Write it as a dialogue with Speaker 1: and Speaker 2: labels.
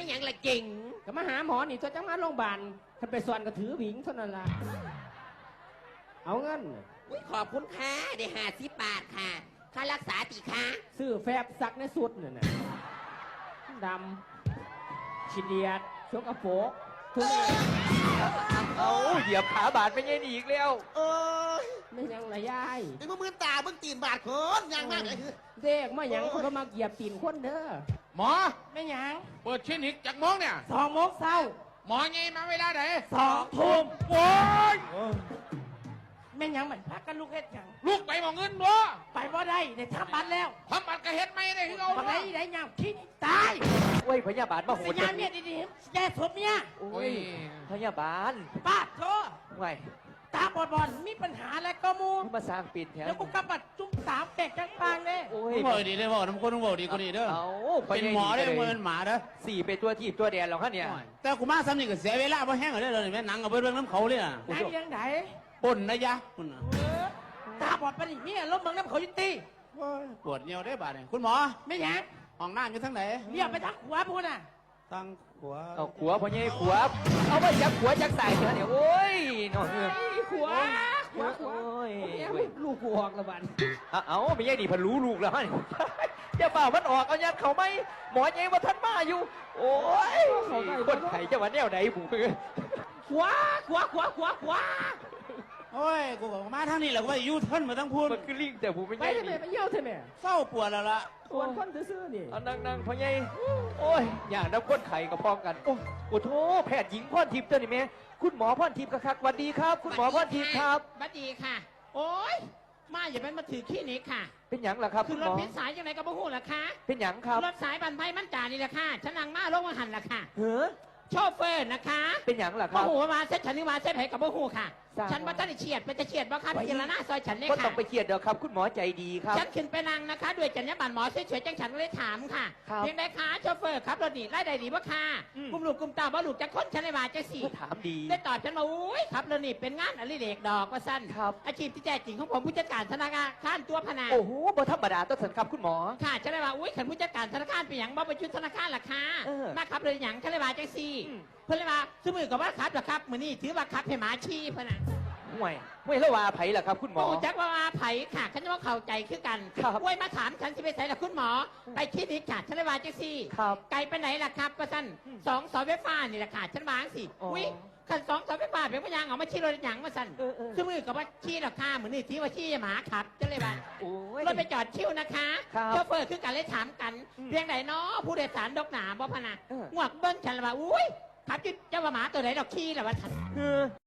Speaker 1: ไม่ยังละเก่ง
Speaker 2: ก็มาหาหมอนี่ตัวจังมาโรงพยาบาลท่านไปสวนก็ถือหวิงเท่านั้นละเอาเงิน
Speaker 1: ขอบคุณค่ะได้50 บาทค่ะค่ารักษาตีค่ะ
Speaker 2: ซื้อแฟบซักในสุดเนี่ยดำฉีดเดียดชกกระโปงทุเรศ
Speaker 3: เอาเหยียบขาบาดไม่ใช่อีกแล้ว
Speaker 2: ไม่ยังละยาย
Speaker 4: ไอ้มือตาเบิ่งตีนบาดคนยังมากเลย
Speaker 2: เด็กมายังคนก็มาเหยียบตีนคนเด้อ
Speaker 5: หมอ
Speaker 2: ไม่ยัง
Speaker 5: เปิดคลินิกจากโมงเนี่ย
Speaker 2: 2 โมงเช้า
Speaker 5: หมอไงมาเวลาไหน
Speaker 2: 2 ทุ่ม
Speaker 5: โอ้ย
Speaker 2: แม่ยังเหมือนพักกันลูกเฮ็ดยัง
Speaker 5: ลูกไปมองเงินบ่
Speaker 2: ไปบ่ได้ได้ทำบัตรแล้ว
Speaker 5: ทำบัตรก็เฮ็ดไม่ได้ที่เรา
Speaker 2: บัตรได้ยังขี้ตาย
Speaker 3: โอ้ยพยาบาลมาโหด
Speaker 2: ยาเมียดีๆแย่สมเมีย
Speaker 3: โอ้ยพยาบาล
Speaker 2: ป้าโธ่
Speaker 3: ไง
Speaker 2: ตาบอดมีปัญหาอะไรก็มู
Speaker 3: มาสร้างปิดแถว
Speaker 2: แล้วกูกำบัดจุ้มตามแตกจังปางเลย
Speaker 5: โอ้ยบอกดีได้บอกน้ำคนต้องบอกดีกว่านี้เด้อเป็นหมอได้เงินหมาเด้อ
Speaker 3: 4เป็นตัวทีบตัวแดนหรอกฮะเนี่ย
Speaker 5: แต่กูมาซ้ำนี่ก็เสียเวลาเพราะแห้งเลยแม่หนังกับเรื่องน้ำเขาเลยอ่ะ
Speaker 2: ไหนยังไหน
Speaker 5: ปนนะยะคุณ
Speaker 2: ตาบอดไปดิเนี่ยล้มเมืองน้ำเขายุติ
Speaker 5: ปวดเนียวได้บาดเนี่ยคุณหมอ
Speaker 2: ไม่ยัง
Speaker 5: ห้องน้ำอยู่ทั้งไหน
Speaker 2: เรียกไปทางขวาพูดน่ะ
Speaker 5: ทางขวา
Speaker 3: เอาขวาพ่อใหญ่ขวาเอาไปจับขวาจักใส่เนี่ยโอ้ยนอน
Speaker 2: ขวาลูกกูออกละบัน
Speaker 3: เอาไม่ใช่ดิพันรู้ลูกแล้วจะเปล่ามันออกเอายัดเขาไหมหมอใหญ่ว่าท่านมาอยู่โอ้ยคนไข่จะมาแนวไหนบุ๋ม
Speaker 2: ขวา
Speaker 5: โอ้ยกูบอกมาทางนี้แหละกูว่ายูเทิร์นมาตั้งพูด
Speaker 3: มันคือลิงแต่บุ๋มไม่ใช่
Speaker 2: ไปเยี่ยวเถอะแม่
Speaker 5: เศร้าปวดแล้วล่ะ
Speaker 2: ปวดคนซื่อนี่
Speaker 3: นั่งพ่อใหญ่โอ้ยอย่างนับคนไข่กับพร้อมกันโอ้โหแพทย์หญิงพรทิพย์ตัวนี้แม่คุณหมอพรทิพย์ครับสวัสดีครับคุณหมอพรทิพย์ครับ
Speaker 1: สวัสดีค่ะโอ้ยมาอย่าไปมาถือขี้นี้ค่ะ
Speaker 3: เป็นหยังล่ะครับ
Speaker 1: คือรถพิษสายยังไงก็บ่ฮู้ล่ะค่ะ
Speaker 3: เป็นหยังครับ
Speaker 1: รถสายบันไพมันจ่านี่แหละค่ะฉันนั่งมาลงมาหันล่ะค่ะ
Speaker 3: เฮ้อ
Speaker 1: โชเฟอร์นะคะ
Speaker 3: เป็นหยังล่ะครับ
Speaker 1: บ่ฮู้มาเซ็ตฉันนี่มาเซ็ตให้กับบ่ฮู้ค่ะฉันว่าท่านเฉียดไปจะเฉียดบ่ครับพิจารณาซอยฉันเนี่ยค่ะ
Speaker 3: ก็ต้องไปเฉียดเด้อครับคุณหมอใจดีครับ
Speaker 1: ฉันขึ้นไปนั่งนะคะด้วยจรรยาบรรณหมอเฉยๆจังฉันเลยถามค่ะเพียงใดคะโชเฟอร์ครับรถนี่ไล่ใดดีบ่ค่ะกุมลูกกุมตาบ่ลูกจะค้นฉันเลยว่าจะสี่
Speaker 3: ถามดี
Speaker 1: ได้ตอบฉันมาอุ้ยครับรถนี่เป็นงานอดิเรกดอกว่าสั้น
Speaker 3: ครับ
Speaker 1: อาชีพที่แท้จริงของผมผู้จัดการธนาคารตัวพนา
Speaker 3: โอ้โหบ่ธรรมดาต้นสันครับคุณหมอ
Speaker 1: ค่ะฉันเลยว่าอุ้ยขันผู้จัดการธนาคารเป็นอย่างบ่ไปชุดธนาคารล่ะค่ะมาครับเลยอย่างฉันเลยว่าจังสี่เพื่อนเลยว่าสมือกับว่าครับเหรอครับมือนี่ถือว่าครับให้หมาชี้พนะ
Speaker 3: ห่วยแล้วว่าไผ่ล่ะครับคุณหมอ
Speaker 1: จักว่าไผ่ค่ะฉันว่าเข้าใจคือกันห่วยมาถามฉันสิไปใส่ละคุณหมอไปคลินิกค่ะฉันเลยว่าจังสี่ไกลไปไหนล่ะครับก็สั้น2 เสาไฟฟ้านี่แหละค่ะฉันวางสิอุ้ยขัน2 เสาไฟฟ้าเป็นพยางเอามาชี้รถหยังมาสั้นสมือกับว่าชี้ราคาเหมือนนี่ถือว่าชี้หมาครับฉันเลยว่ารถไปจอดชิวนะคะโชเฟอร์คือกันเลยถามกันเพียงไหนเนาะผู้โดยสารดอกหนาบ่พนะงวกเบิ้งฉันเลยว่าอุ้ยครับจะว่าหมาตัวไหนดอกขี้หรอวะท่าน